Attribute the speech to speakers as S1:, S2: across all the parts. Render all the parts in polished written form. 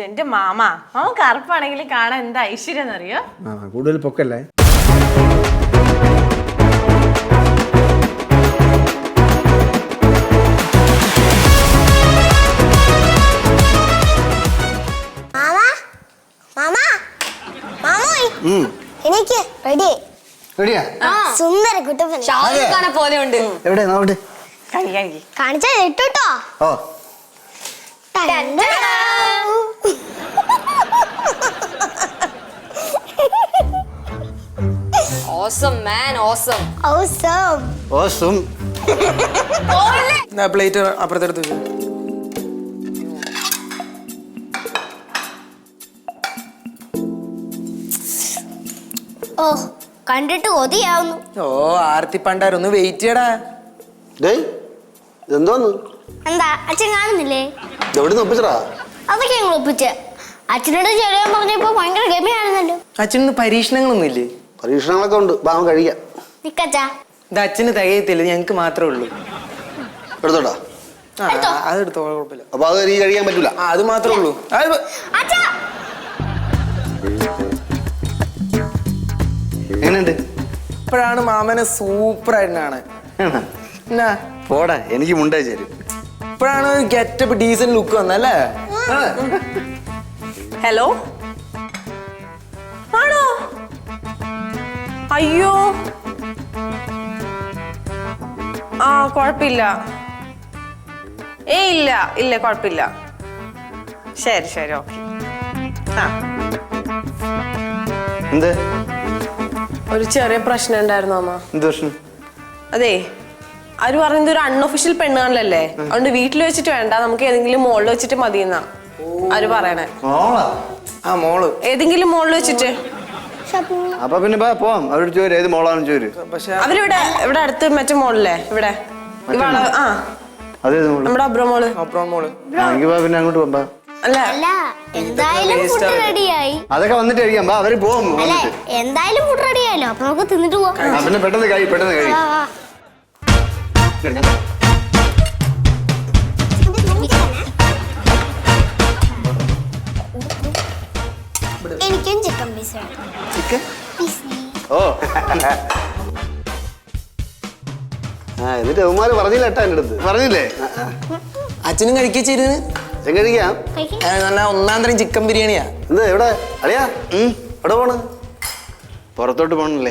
S1: എന്റെ മാമ കറുപ്പാണെങ്കിൽ കാണാൻ എന്താ ഐശ്വര്യം അറിയോ?
S2: കൂടുതൽ പൊക്കല്ലേ.
S3: സുന്ദര കുട്ടപ്പൻ ഷാരൂഖ് പോലെ ഉണ്ട്.
S2: എവിടെ നോട്ട്
S3: കാണിച്ചാ ഇട്ടോ.
S2: ഓ
S4: Awesome man, awesome.
S3: Awesome.
S2: Awesome.
S5: ഞാൻ പ്ലേറ്റ് അപ്പുറത്തെടുത്ത് വെച്ചു.
S3: ഓ കണ്ടിട്ട് കൊതിയാവുന്നു.
S5: ഓ ആർത്തി പണ്ടാരൊന്ന് വെയിറ്റ് ചെയ്യടാ.
S2: എന്തോന്ന്
S3: എന്താ അച്ഛൻ കാണുന്നില്ലേ?
S2: എവിടെ ഒപ്പിച്ചടാ?
S3: അതൊക്കെ ഞങ്ങൾ ഒപ്പിച്ച്. അച്ഛനോട് ചെറിയാൻ പറഞ്ഞപ്പോ ഭയങ്കര ഗമിയാണെന്നല്ലോ.
S5: അച്ഛന് പരീക്ഷണങ്ങളൊന്നും ഇല്ലേ?
S2: പരീക്ഷണങ്ങളൊക്കെ ഉണ്ട്. ഭാവം കഴിക്കാം.
S3: നിക്കച്ചാ
S5: ഇത് അച്ഛന് തികയത്തില്ല, ഞങ്ങക്ക് മാത്രമേ ഉള്ളൂ.
S2: എടുത്തോടാ.
S5: അതെടുത്തോ, കുഴപ്പമില്ല.
S2: അപ്പൊ അത് എനിക്ക് കഴിക്കാൻ പറ്റൂല.
S5: അത് മാത്രമേ ഉള്ളൂ.
S2: എങ്ങനെയുണ്ട്?
S5: ഇപ്പോഴാണ് മാമനെ സൂപ്പർ ആയിട്ടാണ്.
S2: പോടാ, എനിക്ക് മുണ്ടേ ചേരും.
S5: ഇപ്പോഴാണ് ഗെറ്റപ്പ് ഡീസന്റ് ലുക്ക് വന്നല്ലേ?
S1: ഹലോ, ആണോ? അയ്യോ, ആ കുഴപ്പമില്ല. ഇല്ല ഇല്ല കുഴപ്പമില്ല. ശരി ശരി, ഓക്കെ.
S2: എന്ത്?
S1: ഒരു ചെറിയ പ്രശ്നം ഉണ്ടായിരുന്നു അമ്മ.
S2: എന്ത് പ്രശ്നം?
S1: അതെ, അവര് പറയുന്നത് ഒരു അൺഒഫീഷ്യൽ പെണ്ണുകാണല്ലേ, അതുകൊണ്ട് വീട്ടിൽ വെച്ചിട്ട് വേണ്ട, നമുക്ക് ഏതെങ്കിലും മോളിൽ വെച്ചിട്ട് മതി എന്നാ അവര് പറയണേ.
S5: ആ മോള്
S1: ഏതെങ്കിലും മോളിൽ വെച്ചിട്ട്.
S2: അപ്പൊ പിന്നെ പോവാം. അവരോട് ചോര്, ഏത് മോളാണെന്ന് ചോര്.
S5: പക്ഷെ
S1: അവരിവിടെ ഇവിടെ അടുത്ത് മറ്റേ മോളില്ലേ, ഇവിടെ നമ്മുടെ അബ്രോ മോള്.
S2: പിന്നെ അങ്ങോട്ട് പോകാം.
S1: അല്ല
S3: എന്തായാലും ഫുഡ് റെഡിയായി.
S2: അതൊക്കെ വന്നിട്ട് കഴിക്കാം. അവര് പോകും.
S3: എന്തായാലും ഫുഡ് റെഡിയായല്ലോ, അപ്പൊ നമുക്ക് തിന്നിട്ട് പോവാം.
S2: പിന്നെ പെട്ടെന്ന് കഴി, പെട്ടെന്ന് കഴി.
S3: എനിക്കും ചിക്കൻ പീസ്.
S2: ഓ എന്നിട്ട് അവന്മാര് പറഞ്ഞില്ല കേട്ടാ എന്റെ അടുത്ത്. പറഞ്ഞില്ലേ?
S5: അച്ഛനും കഴിച്ചിരുന്ന്
S2: അച്ഛൻ കഴിക്കാം.
S5: നല്ല ഒന്നാം തരം ചിക്കൻ ബിരിയാണിയാ.
S2: എന്താ എവിടെ അറിയാ? എവിടെ പോണ്? പുറത്തോട്ട് പോണല്ലേ?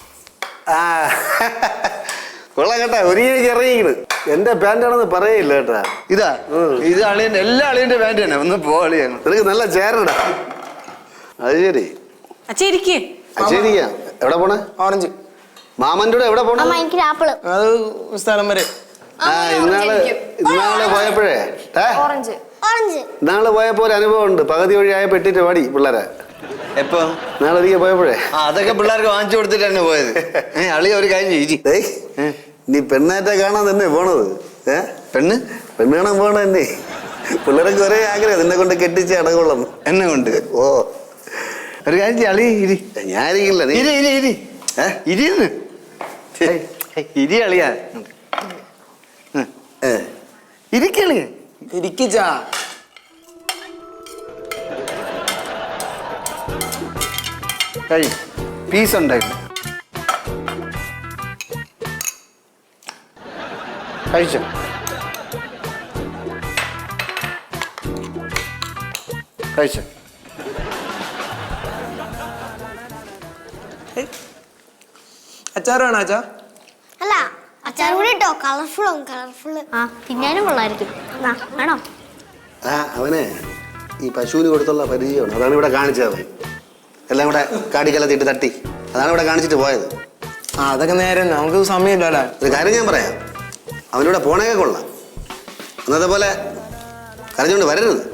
S2: കൊള്ളാം കേട്ടാ. ഒരു ഇറങ്ങിക്കണ്. എന്റെ പാന്റാണെന്ന് പറയില്ല കേട്ടാ. ഇതാ ഇത് അളിയന്റെ, എല്ലാ അളിയന്റെ പാന്റ് തന്നെ. ഒന്ന് പോ അളിയാണ്. നിനക്ക് നല്ല ചേരടാ. അത് ശരി. അച്ഛരിക്കാം. എവിടെ പോണേ?
S5: ഓറഞ്ച്.
S2: മാമന്റെ കൂടെ എവിടെ പോണേ?
S5: അത് സ്ഥലം വരെ.
S2: ഇന്നാള് പോയപ്പോഴേ ഇന്നാള് പോയപ്പോ ഒരു അനുഭവം ഉണ്ട്. പകുതി വഴിയായ പെട്ടിട്ട് പാടി പിള്ളേരെ. എപ്പോ? നാളെ ഒരിക്കൽ പോയപ്പോഴേ. അതൊക്കെ പിള്ളേർക്ക് വാങ്ങിച്ചു കൊടുത്തിട്ട് തന്നെ പോയത്. അളി ഒരു കാര്യം നീ പെണ്ണാറ്റ കാണാൻ തന്നെ പോണത്. പെണ്ണ് കാണാൻ പോണ തന്നെ. പിള്ളേർക്ക് ഒരേ ആഗ്രഹം നിന്നെ കൊണ്ട് കെട്ടിച്ച് അടകൊള്ളം. എന്നെ കൊണ്ട്. ഓ ഒരു കാര്യം അളി ഇരി. ഞാനിരിക്കില്ല. ഇരിന്ന് ഇരി അളിയാ. ഇരിക്കളിയ
S5: ഇരിക്കിച്ചാ.
S2: കഴി. പീസ് ഉണ്ടായിരുന്നു. കഴിച്ചോ? കഴിച്ചോ?
S5: അച്ചാർ വേണോ അച്ഛാ?
S3: അല്ല അച്ചാർ കൂടി ഇട്ടോ. കളർഫുൾ. തിന്നാനും കൊള്ളായിരിക്കും. വേണോ?
S2: അവനെ ഈ പശുവിന് കൊടുത്തുള്ള പരിചയമാണ്. അതാണ് ഇവിടെ കാണിച്ചത്. എല്ലാം കൂടെ കാടിക്കലത്തിട്ട് തട്ടി. അതാണ് ഇവിടെ കാണിച്ചിട്ട് പോയത്.
S5: അതൊക്കെ നേരെ, നമുക്ക് സമയമില്ലല്ലോ.
S2: ഒരു കാര്യം ഞാൻ പറയാം. അവനിവിടെ പോണേക്കെ കൊള്ളാം. അന്നത്തെ പോലെ കരഞ്ഞുകൊണ്ട് വരരുത്.